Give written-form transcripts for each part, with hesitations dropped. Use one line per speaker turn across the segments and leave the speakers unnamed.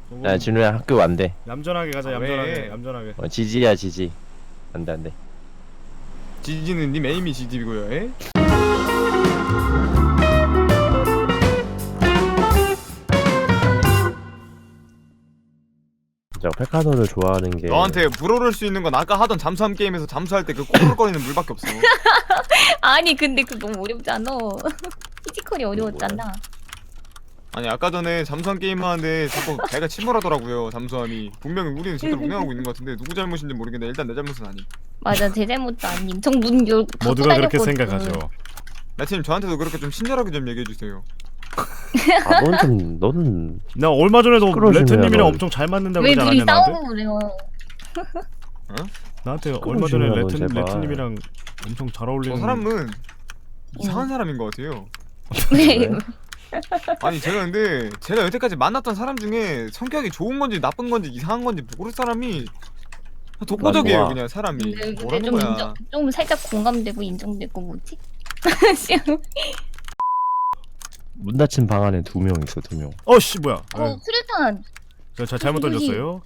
야 진우야 학교 안돼.
얌전하게 가자.
왜?
얌전하게.
지지야 지지. 안돼 안돼.
지지는 님 에임이 지지고요. 에?
저 페카도를 좋아하는 게
너한테 물오를 수 있는 건 아까 하던 잠수함 게임에서 잠수할 때 그 꼬불거리는 물밖에 없어.
아니 근데 그 너무 어렵잖아. 피지컬이 어려웠잖아.
아니 아까 전에 잠수함 게임 하는데 자꾸 배가 침몰하더라고요. 잠수함이 분명히 우리는 제대로 운행하고 있는 것 같은데 누구 잘못인지 모르겠는데 일단 내 잘못은 아님.
맞아 제 잘못도 아님. 정문 열고
모두가 그렇게 생각하죠.
나팀 저한테도 그렇게 좀 친절하게 좀 얘기해 주세요.
아 너는
나 얼마 전에도
시끄러워지네요,
레트님이랑
너.
엄청 잘 맞는다고
왜
그러지
둘이
않았냐 나한테?
싸우고 그래요?
나한테 얼마 전에
시끄러워지네요, 넌 제발.
레트님이랑 엄청 잘 어울리는.
저 사람은 이상한 사람인 것 같아요.
왜?
아니 제가 근데 제가 여태까지 만났던 사람 중에 성격이 좋은 건지 나쁜 건지 이상한 건지 모를 사람이 독보적이에요.
좋아.
그냥 사람이
근데
뭐라는
좀
거야.
좀 살짝 공감되고 인정되고 뭐지?
문 닫힌 방 안에 2명 있어 2명.
어씨 뭐야?
수류탄.
저 잘못 던졌어요.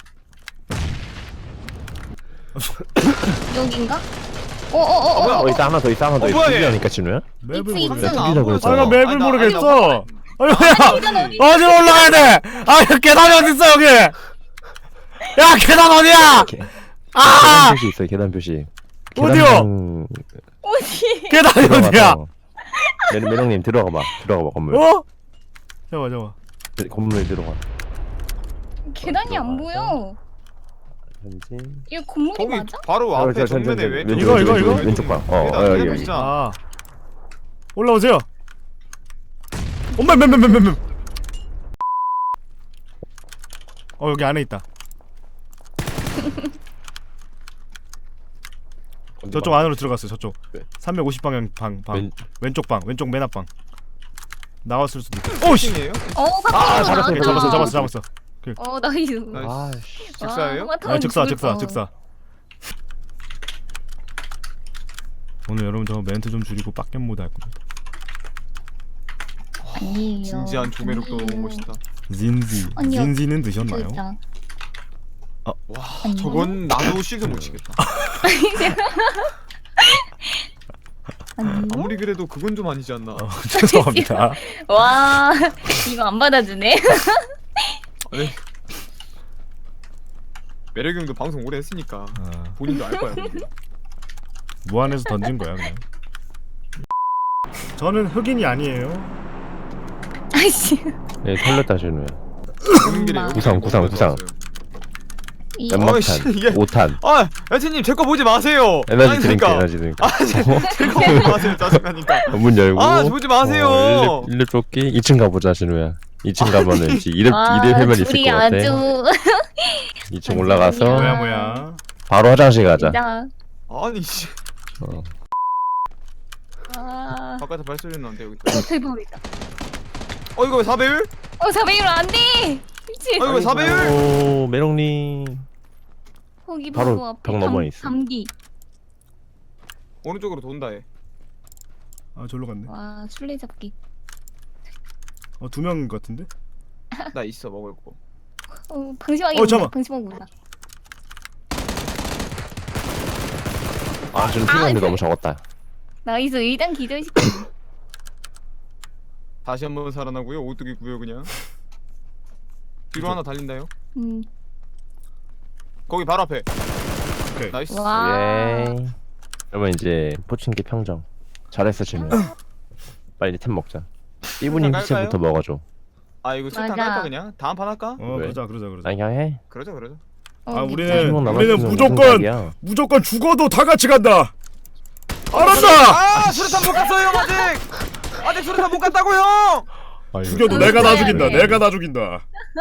여긴가?
어 있다 하나 더 있다 하나 더 있어.
뭐야, 얘?
투비하니까 진우야?
맵을
있지,
모르겠어.
있지.
투비라 그랬잖아.
나 맵을 모르겠어. 아니
계단
야
어디?
어디로 올라가야 돼? 아 계단이 어디 있어 여기? 야 계단 어디야?
계단
아
표시 있어 계단 표시.
어디요?
계단
어디?
계단이 어디야?
들어가서 매력님 들어가봐 건물.
어? 잠깐만.
건물 들어가.
계단이 안 보여.
현지.
이거 건물이
거기
맞아?
바로 앞에
저,
정면에 왼쪽
이거?
왼쪽 방. 여기.
진짜.
아 올라오세요. 엄마 맴. 여기 안에 있다. 저쪽 안으로 들어갔어요. 저쪽.
네.
350방향 방.
왼-
왼쪽 방. 왼쪽 맨 앞방. 나왔을 수도 있고. 오씨.
층이에요?
밖으로 나왔다.
잡았어.
나이스.
아,
즉사예요?
아, 즉사. 오늘 여러분 저 멘트 좀 줄이고 빡겜 모드 할 겁니다.
아니에요.
진지한 조매력도 너무 멋있다.
아니요.
진지는 드셨나요?
진짜.
와
아니요.
저건 나도 실드 못 치겠다.
아니요.
아무리 그래도 그건 좀 아니지 않나.
죄송합니다.
와 이거 안 받아주네.
아니 매력 형도 방송 오래 했으니까
아,
본인도 알 거야.
무한에서 던진 거야 그냥. 저는 흑인이 아니에요.
아이씨.
네 털렸다 진우야.
오는 길에 여기
구상.
이-
연막탄,
어이씨, 이게-
5탄.
아 여친님 제 거 보지 마세요.
에너지 드링크.
아 제거 보지 마세요. 짜증나니까.
문 열고.
아 보지 마세요.
1렙 쫓기. 2층 가보자 진우야. 2층 가면은 이제 2렙
와,
2렙 해면 있을
둘이
것 같아.
아주
2층 올라가서
뭐야.
바로 화장실 가자.
진짜.
아니 씨.
어.
아.
바깥에 발소리 나는데 여기.
대박이다.
이거 왜 4배율?
400으로 안 돼. 미친.
왜 4배율?
오 메롱님.
거기
바로
바로 앞에
벽 넘어 있어.
감기.
오른쪽으로 돈다 해.
아 절로 갔네.
와 술래잡기.
2명 같은데?
나 있어 먹을 거.
방심하게
잠깐만.
방심하고 온다.
아 지금 피곤한데 너무 적었다.
나이스 일단 기절시켜.
다시 한번 살아나고요. 오뚜기 구요 그냥. 뒤로 하나 달린다요. 거기 바로 앞에.
오케이.
나이스.
와.
예. 그러면 이제 포칭기 평정. 잘했어 진우야. 빨리 템 먹자. 이분이
깔까요?
후체부터 먹어줘.
아 이거 술탄
맞아.
깔까 그냥? 다음 판 할까?
왜?
그러자.
나 그냥 해.
그러자.
아,
어,
우리는-
미친.
우리는
우리는 무조건 죽어도 다 같이 간다. 알았다.
아 수류탄 못 갔어요 아직 수류탄 못 갔다고요.
죽여도
아,
내가 다
그래.
죽인다. 내가 다 죽인다.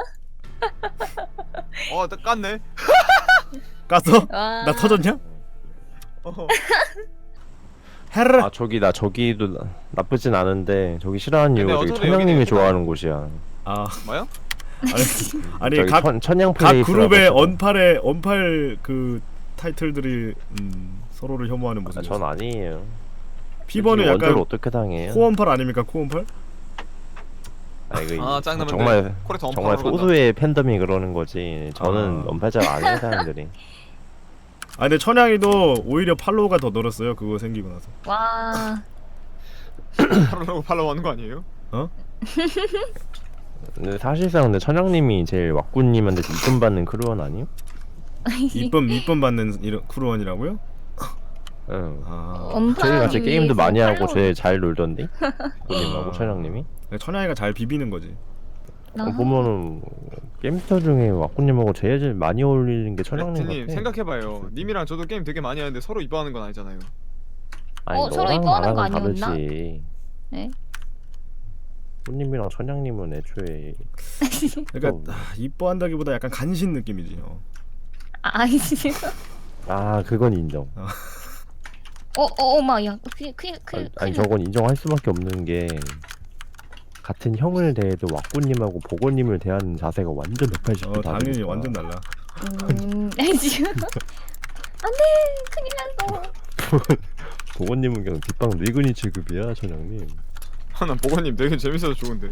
나 깠네.
깠어?
와.
나 터졌냐?
어.
헤르.
아 저기도 나쁘진 않은데 저기 싫어하는
근데
이유가 저기
어차피
천양님이
여기는
좋아하는 곳이야.
아
뭐야?
아니
저기
각
천양
각
플레이스라고
그룹의
있어.
언팔 그 타이틀들이 서로를 혐오하는
아,
모습.
전 아니에요.
피버는
원조를
약간
어떻게 당해요?
코언팔 아닙니까? 코언팔?
아 이거
아 짱나면
정말
코레트 엄청
정말 소수의 팬덤이 그러는 거지. 저는 언팔자가 아닌 사람들이.
아 근데 천양이도 오히려 팔로우가 더 늘었어요. 그거 생기고 나서.
와.
팔로우 하는 거 아니에요?
근데 사실상 근데 천양님이 제일 왁구님한테 이쁨 받는 크루원 아니요?
이쁨 받는 이런 크루원이라고요?
응.
아
저희 같이
엄파님이
게임도 많이 하고
팔로우-
제일 잘 놀던데? 왁구님하고 천양님이?
천양이가 잘 비비는 거지.
아.
보면은 게임스터 중에 왁구님하고 제일 많이 어울리는 게 천양님
레트님
같아.
생각해봐요. 님이랑 저도 게임 되게 많이 하는데 서로 이뻐하는 건 아니잖아요.
아니
서로
너랑
이뻐하는 거
나랑은
아니었나?
다르지.
네?
왁구님이랑 천양님은 애초에
그러니까 이뻐한다기보다 약간 간신 느낌이지.
아니지.
아 그건 인정.
어마야.
아니 저건 인정할 수밖에 없는 게 같은 형을 대해도 왁구님하고 보고님을 대하는 자세가 완전 180도 다르니까.
당연히 완전 달라.
지금 안돼 큰일 났어.
보고님은 그냥 뒷방 늙은이 취급이야 천양님.
난 보건님 되게 재밌어서 좋은데.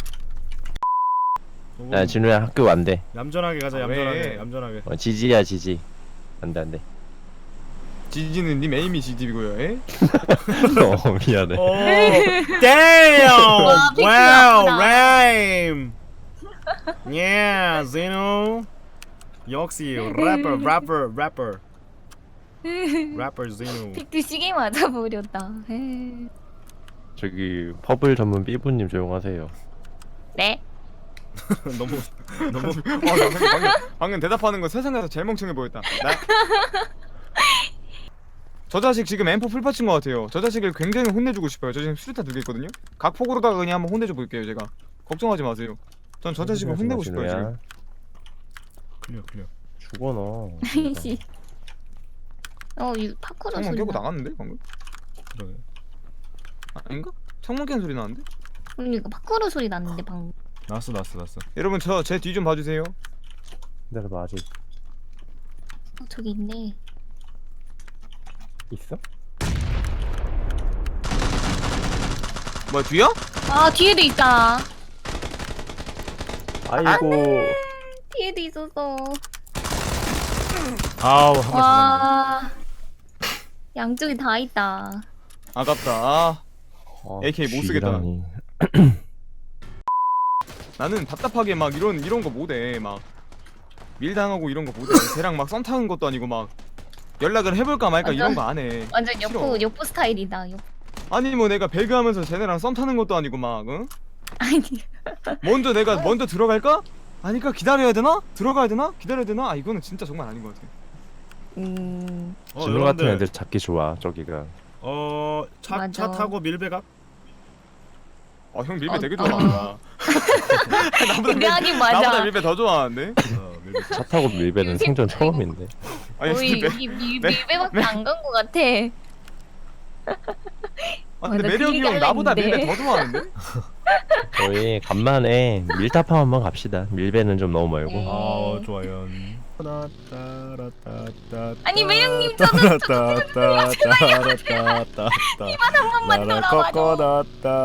야 진우야 학교 안돼.
얌전하게 가자.
아,
얌전하게.
왜?
얌전하게.
지지야 지지. 안돼 안돼.
지지는 님 에임이 지디고요. 에?
미안해.
오, damn!
와, 픽스
wow,
나쁘다.
rhyme. Yeah, Zeno. 역시 rapper Zeno.
픽트 시계 맞아버렸다.
저기 퍼블 전문 삐부님 조용하세요.
네?
너무
와, 나 방금 대답하는 거 세상에서 제일 멍청해 보였다. 저 자식 지금 M4 풀파친 것 같아요. 저 자식을 굉장히 혼내주고 싶어요. 저 지금 수류탄 2개 있거든요. 각폭으로다가 그냥 한번 혼내줘 볼게요. 제가 걱정하지 마세요. 전 저 자식을 혼내고 싶어요 지금.
클리어.
죽어 너.
씨. 이 파쿠르
창문
소리.
깨고 나갔는데 방금?
그러게.
아닌가? 창문 깬 소리 나는데?
그러니까 파쿠르 소리 났는데 방금.
났어.
여러분 저 제 뒤 좀 봐주세요.
기다려봐 아직
저기 있네.
있어?
뭐야 뒤야?
아 뒤에도 있다.
아이고.
뒤에도 있었어.
아우 한발 잡았네.
와. 양쪽에 다 있다.
아깝다. 아,
아,
AK 못 쓰겠다.
쥐라니.
나는 답답하게 막 이런 거 못해. 막 밀당하고 이런 거 못해. 걔랑 막 썸 타는 것도 아니고 막 연락을 해볼까 말까 이런 거 안 해.
완전
싫어.
여포 스타일이다. 여포.
아니 뭐 내가 배그하면서 쟤네랑 썸 타는 것도 아니고 막 응?
아니.
내가 먼저 들어갈까? 아니까 기다려야 되나? 들어가야 되나? 기다려야 되나? 아 이거는 진짜 정말 아닌 것 같아.
진우 같은 애들 잡기 좋아 저기가.
차
맞아.
타고 밀배가?
형 밀배 되게
어.
좋아한다.
근데 하긴 맞아.
나보다 밀배 더 좋아하는데?
밀배.
차 타고 밀배는 생전 처음인데.
아니
거의
밀배.
밀배밖에 안 간 것 같아.
아 근데
나
매력이
그
형 나보다
얘기하려는데.
밀배 더 좋아하는데?
저희 간만에 밀타파 한번 갑시다. 밀배는 좀 너무 멀고.
네.
아 좋아요.
아니 매형님
저
이만 한 번만 돌아와줘.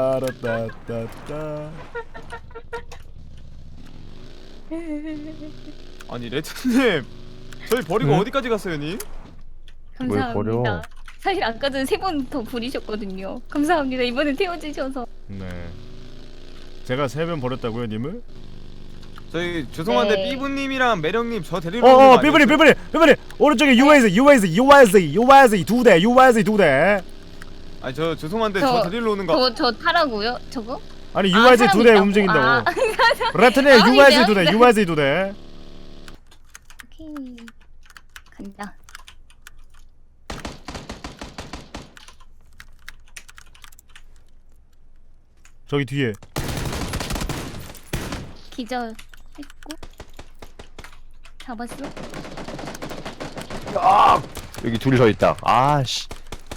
아니 레트님 저희 버리고
응?
어디까지 갔어요 님?
뭘 버려?
감사합니다. 사실 아까 전에 3번 더 부리셨거든요. 감사합니다. 이번에 태워주셔서.
네. 제가 3번 버렸다고요, 님을?
저희 죄송한데
네.
삐부님이랑 매력님 저 데리러 오는 거
삐부리
아니었어요?
삐부리 오른쪽에 UAZ 2대.
아니 저 죄송한데
저-
저 데리러 오는 거
저 타라고요? 저거?
아니
아,
UAZ
사람
2대
있다고?
움직인다고.
아.
레트네
아,
UAZ
미안,
2대
미안.
UAZ 2대.
오케이. 간다.
저기 뒤에.
기절 했고. 잡았어?
여기 둘이 서 있다. 아씨.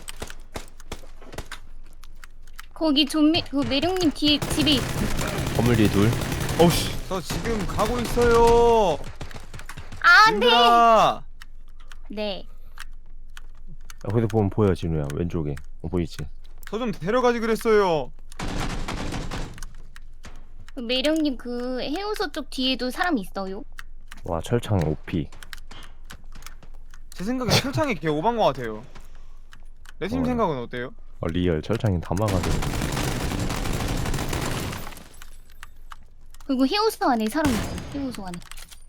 거기 그 매력님 뒤에 집에 있...
건물 뒤에 둘.
어우씨.
저 지금 가고 있어요.
아, 안 돼!
얘들아.
네.
거기서 보면 보여 진우야 왼쪽에. 보이지?
저 좀 데려가지 그랬어요.
그 매령님 그 해우소 쪽 뒤에도 사람 있어요?
와 철창 OP.
제 생각엔 철창이 개 오반 것 같아요. 레트님
어.
생각은 어때요?
리얼 철창이 다 막아줘.
그리고 해우소 안에 사람 있어요. 해우소 안에.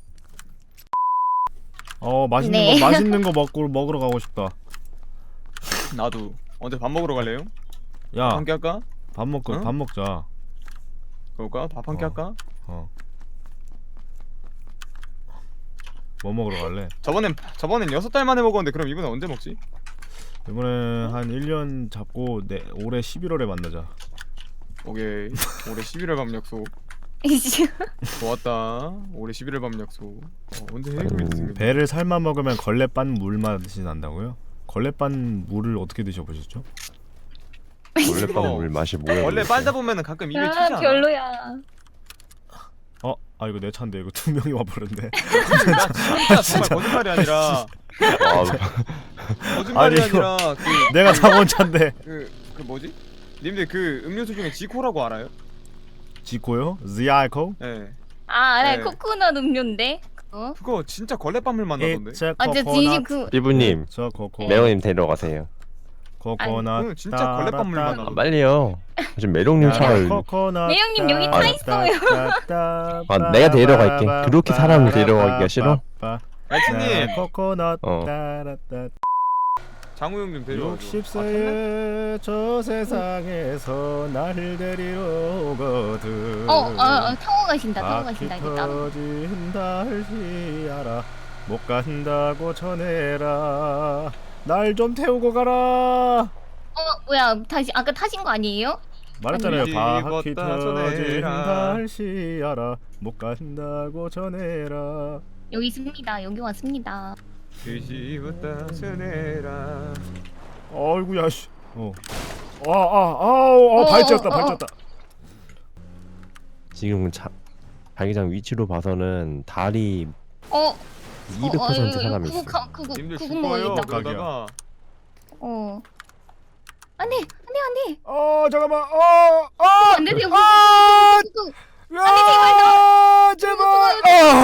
맛있는
네.
거 맛있는 거 먹으러 가고 싶다.
나도. 언제 밥 먹으러 갈래요?
야,
함께 할까?
밥 먹고
응?
밥 먹자.
그럴까? 밥 함께
어.
할까?
뭐 먹으러 갈래?
저번엔 6달 만에 먹었는데 그럼 이번엔 언제 먹지?
이번에 한 1년 잡고 올해 11월에 만나자.
오케이. 올해 11월 밤 약속. 좋았다. 올해 11월 밤 약속. 언제 해금이 됐습니다.
배를 삶아 먹으면 걸레빤 물 맛이 난다고요? 걸레빤 물을 어떻게 드셔보셨죠?
원래빵 물 맛이 뭐야?
원래
도대체?
빨다 보면은 가끔 입에 튀지
야
않아?
별로야.
이거 내 차인데 이거 2명이 와버렸네.
나 진짜 정말 거짓말이 아니라
아,
거짓말이
아니, 이거-
아니라
내가 타고 온 차인데.
그 뭐지? 님들 그 음료수 중에 지코라고 알아요?
지코요? 지아이코?
네.
아 알아요.
네.
코코넛 음료인데. 그거.
그거 진짜 걸레밥물 맛 나던데.
It's a
아 진짜
coconut.
진심 그.
삐부님
저 코코.
매형님 데려가세요.
코코넛.
그건 진짜 걸레밥 물 맛
아,
나던데.
빨리요. 지금 매력님 차를
코코넛.
매형님 여기 타 있어요.
아, 내가 데려갈게. 그렇게 사람을 데려가기가 싫어?
레트님
코코넛.
어.
따라따.
장우 형좀 데려와.
60세의 저 세상에서 날 데리러 오거든.
타고 가신다. 타고 가신다.
바퀴
이제 따로.
터진 달시야라 못 간다고 전해라 날 좀 태우고 가라.
뭐야 다시 아까 타신 거 아니에요?
말했잖아요.
아니,
바퀴
집었다
터진
전해라.
달시야라 못 간다고 전해라.
여기 있습니다. 여기 왔습니다.
뒤집었다 서내라.
어이구야 씨. 발쳤다.
지금 자기장 위치로 봐서는 달이 200% 사람이 있어.
그거
님들
그거
죽어요.
먹어야겠다.
그러다가
안돼.
잠깐만.
안 되세요.
제발.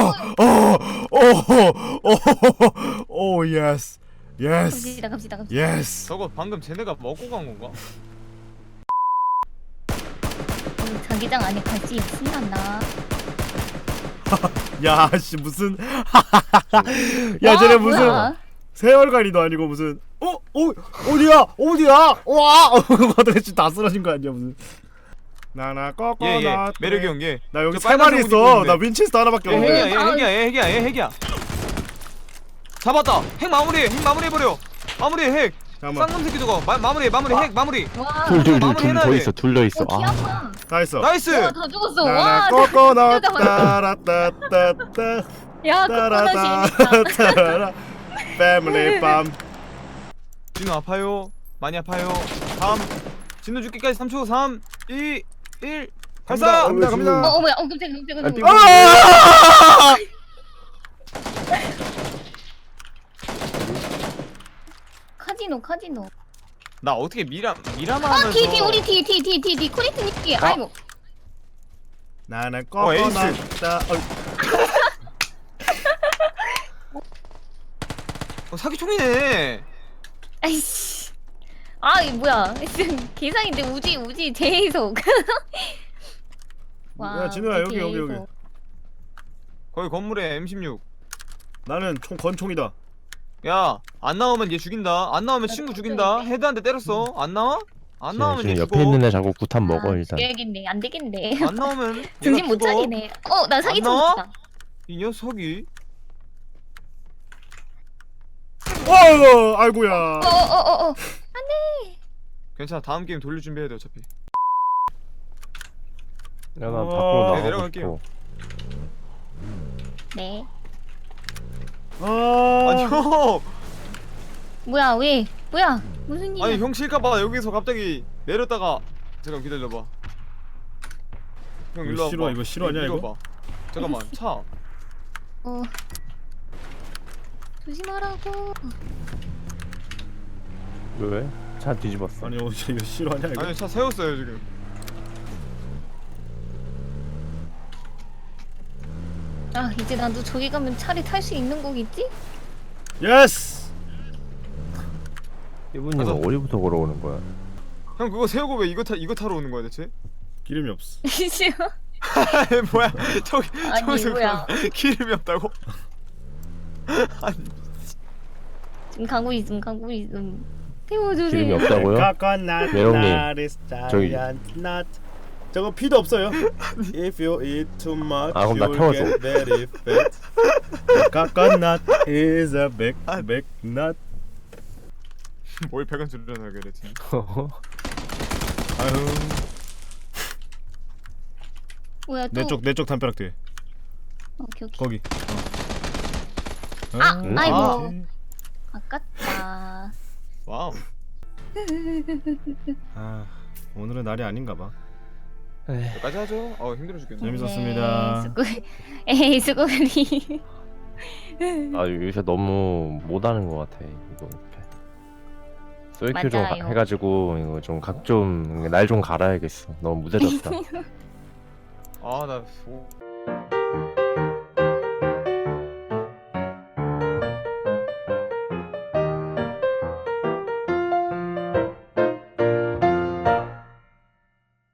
오 예스.
갑시다.
예스.
저거 방금 쟤네가 먹고 간 건가?
자기장 안에 갈지 신난다.
야씨 무슨 야 쟤네 무슨
뭐야?
세월간이도 아니고 무슨 어디야 와 어떻게 지금 다 쓰러진 거 아니야 무슨 나나
예.
꼬꼬넛
매력이 형 얘.
나 여기
저
세 마리
빨간색 옷
있어.
입고
나
있는데.
윈체스터 하나밖에
얘
없는데.
핵이야. 잡았다. 핵 마무리해버려. 마무리해 핵.
잠깐만
쌍놈 새끼 저거. 마무리해 핵 마무리.
와.
둘
마무리해놔야
더
돼.
있어. 둘 더 있어.
키
아,
아파.
다 했어.
나이스.
와, 다 죽었어.
나나
와.
꼬꼬넛
진짜
따라따따따
야, 코코넛이
따라따 패밀리 빰.
진우 아파요. 많이 아파요. 다음 진우 죽기까지 3초. 3, 2, 1. 발사.
갑니다.
뭐야? 깜짝이야.
아!
카지노.
나 어떻게 미라마 하면서.
뒤 우리 뒤 코리트님 뒤. 아이고.
나나
에이스.
꼬꼬넛 따.
사기총이네.
아이씨. 이 뭐야? 계산인데 우지 제해석.
야, 진우야, 여기.
거기 건물에 M16.
나는 권총이다.
야, 안 나오면 얘 죽인다. 안 나오면 친구 죽인다. 헤드한테 때렸어. 안 나와? 안 나오면
지금
얘
옆에
죽어.
있는 애 자꾸 구탄 먹어 일단.
죽여야겠네. 안 되겠네.
안 나오면
정신
얘가
못
죽어.
차리네. 나 사기
안 나와?
쳤다.
이 녀석이.
아이고야.
괜찮아. 다음 게임 돌릴 준비해야 돼 어차피.
야, 나
어.
밖으로
네,
나가고
내려갈게요.
싶어.
네.
아니 형.
뭐야? 왜? 뭐야? 무슨 일이야?
아니 형 실까봐 여기서 갑자기 내렸다가 잠깐 기다려봐. 형 일로 와봐.
이거 실화냐, 이거?
밀어봐. 잠깐만 차.
조심하라고.
왜? 차 뒤집었어.
아니 이거 실화냐 이거?
아니 차 세웠어요 지금.
아 이제 나도 저기 가면 차를 탈 수 있는 거겠지?
예스.
삐부님은
가자.
어디부터 걸어오는 거야?
형 그거 세우고 왜 이거 타러 오는 거야 대체?
기름이 없어.
싫어.
아니 뭐야 저기
아니,
저기서
뭐야.
기름이 없다고?
지금 가고 있음.
기름이
태워주세요.
없다고요?
Coconut
메롱님,
nut is
저기-
giant nut. 저거 피도 없어요. If you eat too much,
아, 그럼 나
you'll
태워줘.
get very fat. The coconut is a big nut.
뭘 100원 줄여놔 그래 지금.
아유,
뭐야 또?
내쪽 담벼락 뒤에.
오케이.
거기.
아, 아이고.
오케이.
아깝다.
와우.
아, 오늘은 날이 아닌가 봐.
여기까지 하죠. 힘들어 죽겠네.
재밌었습니다.
에이 수고리.
아 요새 너무 못하는 것 같아 이거. 쏠큐 좀
맞아요.
해가지고 이거 좀 각 좀 날 좀 갈아야겠어. 너무 무뎌졌다.
나